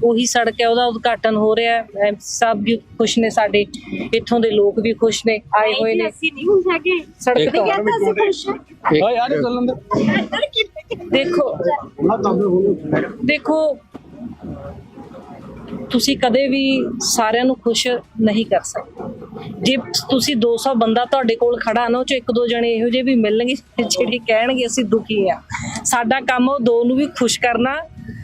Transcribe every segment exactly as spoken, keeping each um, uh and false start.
ਉਹੀ ਸੜਕ ਹੈ, ਉਹਦਾ ਉਦਘਾਟਨ ਹੋ ਰਿਹਾ ਹੈ। ਸਭ ਵੀ ਖੁਸ਼ ਨੇ, ਸਾਡੇ ਇੱਥੋਂ ਦੇ ਲੋਕ ਵੀ ਖੁਸ਼ ਨੇ, ਆਏ ਹੋਏ ਨੇ। ਅਸੀਂ ਨਹੀਂ ਖੁਸ਼ ਹੈਗੇ ਸੜਕ ਤੋਂ ਦੇਖੋ ਦੇਖੋ ਤੁਸੀਂ ਕਦੇ ਵੀ ਸਾਰਿਆਂ ਨੂੰ ਖੁਸ਼ ਨਹੀਂ ਕਰ ਸਕਦੇ। ਜੇ ਤੁਸੀਂ ਦੋ ਸੌ ਬੰਦਾ ਤੁਹਾਡੇ ਕੋਲ ਖੜਾ ਨਾ, ਉਹ ਚ ਇੱਕ ਦੋ ਜਣੇ ਇਹੋ ਜਿਹੇ ਵੀ ਮਿਲਣਗੇ ਜਿਹੜੇ ਕਹਿਣਗੇ ਅਸੀਂ ਦੁਖੀ ਆ। ਸਾਡਾ ਕੰਮ ਉਹ ਦੋ ਨੂੰ ਵੀ ਖੁਸ਼ ਕਰਨਾ।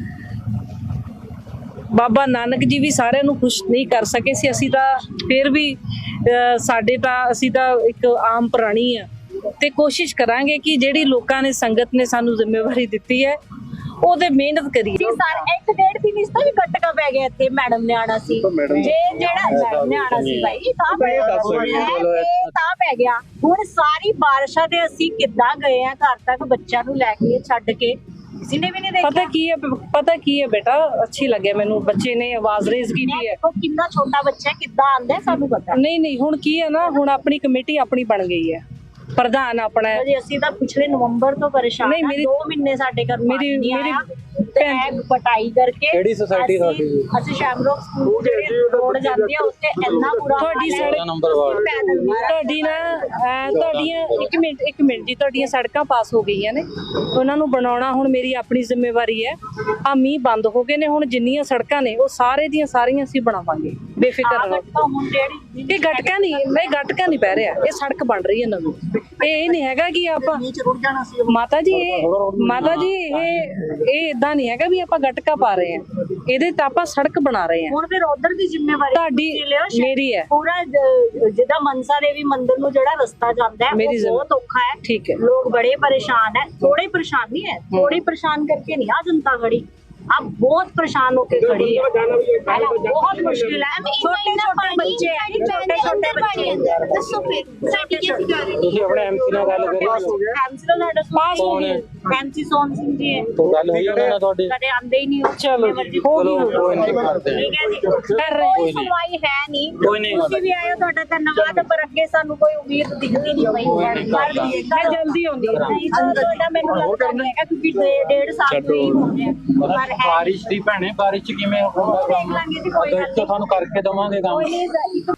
ਬਾਬਾ ਨਾਨਕ ਜੀ ਵੀ ਸਾਰਿਆਂ ਨੂੰ ਖੁਸ਼ ਨਹੀਂ ਕਰ ਸਕੇ ਸੀ, ਅਸੀਂ ਤਾਂ ਫਿਰ ਵੀ ਸਾਡੇ ਤਾਂ ਅਸੀਂ ਤਾਂ ਇੱਕ ਆਮ ਪ੍ਰਾਣੀ ਆ, ਤੇ ਕੋਸ਼ਿਸ਼ ਕਰਾਂਗੇ ਕਿ ਜਿਹੜੀ ਲੋਕਾਂ ਨੇ, ਸੰਗਤ ਨੇ ਸਾਨੂੰ ਜ਼ਿੰਮੇਵਾਰੀ ਦਿੱਤੀ ਹੈ, ਉਹਦੇ ਮਿਹਨਤ ਕਰੀਏ। ਇੱਕ ਡੇਢ ਦਿਨ ਇਸ ਤੋਂ ਵੀ ਗੱਟਕਾ ਪੈ ਗਿਆ ਇੱਥੇ। ਮੈਡਮ ਨੇ ਆਣਾ ਸੀ, ਜੇ ਜਿਹੜਾ ਮੈਡਮ ਨੇ ਆਣਾ ਸੀ ਭਾਈ ਤਾਂ ਤਾਂ ਪੈ ਗਿਆ। ਹੁਣ ਸਾਰੀ ਬਾਰਿਸ਼ਾਂ ਦੇ ਅਸੀਂ ਕਿੱਦਾਂ ਗਏ ਆ ਘਰ ਤੱਕ ਬੱਚਿਆਂ ਨੂੰ ਲੈ ਕੇ ਛੱਡ ਕੇ, ਕਿਸੇ ਨੇ ਵੀ ਨਹੀਂ ਦੇਖਿਆ। ਪਤਾ ਕੀ ਹੈ ਪਤਾ ਕੀ ਹੈ ਬੇਟਾ, ਅੱਛੀ ਲੱਗੇ ਮੈਨੂੰ, ਬੱਚੇ ਨੇ ਆਵਾਜ਼ ਰੇਜ਼ ਕੀਤੀ ਹੈ। ਕਿੰਨਾ ਛੋਟਾ ਬੱਚਾ ਹੈ, ਕਿੱਦਾਂ ਆਂਦਾ ਸਾਨੂੰ ਪਤਾ ਨਹੀਂ ਨਹੀਂ ਹੁਣ ਕੀ ਹੈ ਨਾ, ਹੁਣ ਆਪਣੀ ਕਮੇਟੀ ਆਪਣੀ ਬਣ ਗਈ ਹੈ, ਪ੍ਰਧਾਨ ਆਪਣਾ ਹੈ। ਜੀ ਅਸੀਂ ਤਾਂ ਪਿਛਲੇ ਨਵੰਬਰ ਤੋਂ ਪਰੇਸ਼ਾਨ ਨਹੀਂ, ਮੇਰੀ ਦੋ ਮਹੀਨੇ ਸਾਡੇ ਘਰ ਮੇਰੀ ਮੇਰੀ ਭੈਣ ਪਟਾਈ ਕਰਕੇ ਕਿਹੜੀ ਸੁਸਾਇਟੀ ਤੁਹਾਡੀ? ਅਸੀਂ ਸ਼ੈਮਰੋਕ ਸਕੂਲ ਜਿਹੜੇ ਰੋਡ ਜਾਂਦੀ ਆ ਉੱਤੇ ਇੰਨਾ ਬੁਰਾ ਤੁਹਾਡੀ ਸੜਕ ਨੰਬਰ ਵਾਰਡ ਤੁਹਾਡੀ ਨਾ ਤੁਹਾਡੀਆਂ ਇੱਕ ਮਿੰਟ ਇੱਕ ਮਿੰਟ ਜੀ, ਤੁਹਾਡੀਆਂ ਸੜਕਾਂ ਪਾਸ ਹੋ ਗਈਆਂ ਨੇ, ਉਹਨਾਂ ਨੂੰ ਬਣਾਉਣਾ ਹੁਣ ਮੇਰੀ ਆਪਣੀ ਜ਼ਿੰਮੇਵਾਰੀ ਹੈ। ਆ ਮੀਂਹ ਬੰਦ ਹੋ ਗਏ ਨੇ, ਹੁਣ ਜਿੰਨੀਆਂ ਸੜਕਾਂ ਨੇ ਉਹ ਸਾਰੇ ਦੀਆਂ ਸਾਰੀਆਂ ਅਸੀਂ ਬਣਾਵਾਂਗੇ, ਬੇਫਿਕਰ ਰਹੋ। ਹੁਣ ਜਿਹੜੀ ਇਹ ਗਟਕਾ ਨਹੀਂ, ਨਹੀਂ ਗਟਕਾ ਨਹੀਂ ਪੈ ਰਿਹਾ, ਇਹ ਸੜਕ ਬਣ ਰਹੀ ਹੈ ਨਵੀਂ। ਇਹ ਨਹੀਂ ਹੈਗਾ ਕਿ ਆਪਾਂ ਮਾਤਾ ਜੀ ਇਹ ਮਾਤਾ ਜੀ ਇਹ ਇਹ ਇਦਾਂ ਨਹੀਂ ਹੈਗਾ ਵੀ ਆਪਾਂ ਗਟਕਾ ਪਾ ਰਹੇ ਹਾਂ, ਇਹਦੇ ਤਾਂ ਆਪਾਂ ਸੜਕ ਬਣਾ ਰਹੇ ਹਾਂ। ਹੁਣ ਫਿਰ ਉਧਰ ਦੀ ਜ਼ਿੰਮੇਵਾਰੀ ਤੁਹਾਡੀ ਮੇਰੀ ਹੈ। ਪੂਰਾ ਜਿੱਦਾਂ ਮਨਸਾ ਦੇਵੀ ਮੰਦਿਰ ਨੂੰ ਜਿਹੜਾ ਰਸਤਾ ਜਾਂਦਾ ਹੈ ਉਹ ਬਹੁਤ ਔਖਾ ਹੈ। ਠੀਕ ਹੈ, ਲੋਕ ਬੜੇ ਪਰੇਸ਼ਾਨ ਹੈ। ਥੋੜੇ ਪਰੇਸ਼ਾਨ नहीं है, थोड़ी परेशान करके नहीं आ जनता खड़ी, अब बहुत परेशान होके खड़ी है। बहुत मुश्किल है। छोटे छोटे बच्चे छोटे छोटे बच्चे दसो फिर साडी कैसी कर रही ਤੁਸੀਂ ਆਪਣੇ ਐਮਸੀ ਨਾਲ ਗੱਲ ਕਰਿਓ? एमसी ਨਾਲ ਸਾਡਾ ਪਾਸ ਹੋ ਗਿਆ। एमसी सोन सिंह जी है, तो ਗੱਲ ਹੋਈ ਉਹਨਾਂ ਨਾਲ ਤੁਹਾਡੀ? ਕਦੇ ਆਂਦੇ ਹੀ ਨਹੀਂ। ਚਲੋ ਜੀ, ਹੋ ਚਲੋ ਗਈ ਕੋਈ ਨਹੀਂ ਕਰਦੇ ਠੀਕ ਹੈ ਜੀ, ਕਰ ਰਹੇ ਕੋਈ ਸੁਣਵਾਈ ਹੈ ਨਹੀਂ। ਕੋਈ ਨਹੀਂ। ਤੁਸੀਂ ਵੀ ਆਏ ਹੋ, ਤੁਹਾਡਾ ਧੰਨਵਾਦ, ਪਰ ਅੱਗੇ ਸਾਨੂੰ ਕੋਈ ਉਮੀਦ ਦਿਖਦੀ ਨਹੀਂ ਪਈ। ਕਰ ਦਈਏ ਮੈਂ ਜਲਦੀ ਆਉਂਦੀ ਹਾਂ। ਨਹੀਂ ਤੁਹਾਡਾ ਮੈਨੂੰ ਲੱਗਦਾ ਨਹੀਂ ਹੈਗਾ ਕਿਉਂਕਿ ਡੇਢ ਸਾਲ ਤੋਂ ਹੀ ਹੋ ਰਿਹਾ ਪਰ ਹੈ। ਬਾਰਿਸ਼ ਦੀ ਭੈਣੇ, ਬਾਰਿਸ਼ ਚ ਕਿਵੇਂ ਹੋਊਗਾ ਕੰਮ? ਦੇਖ ਲਾਂਗੇ ਜੀ, ਕੋਈ ਗੱਲ ਤੁਹਾਨੂੰ ਕਰਕੇ ਦਵਾਂਗੇ ਕੰਮ। ਨਹੀਂ।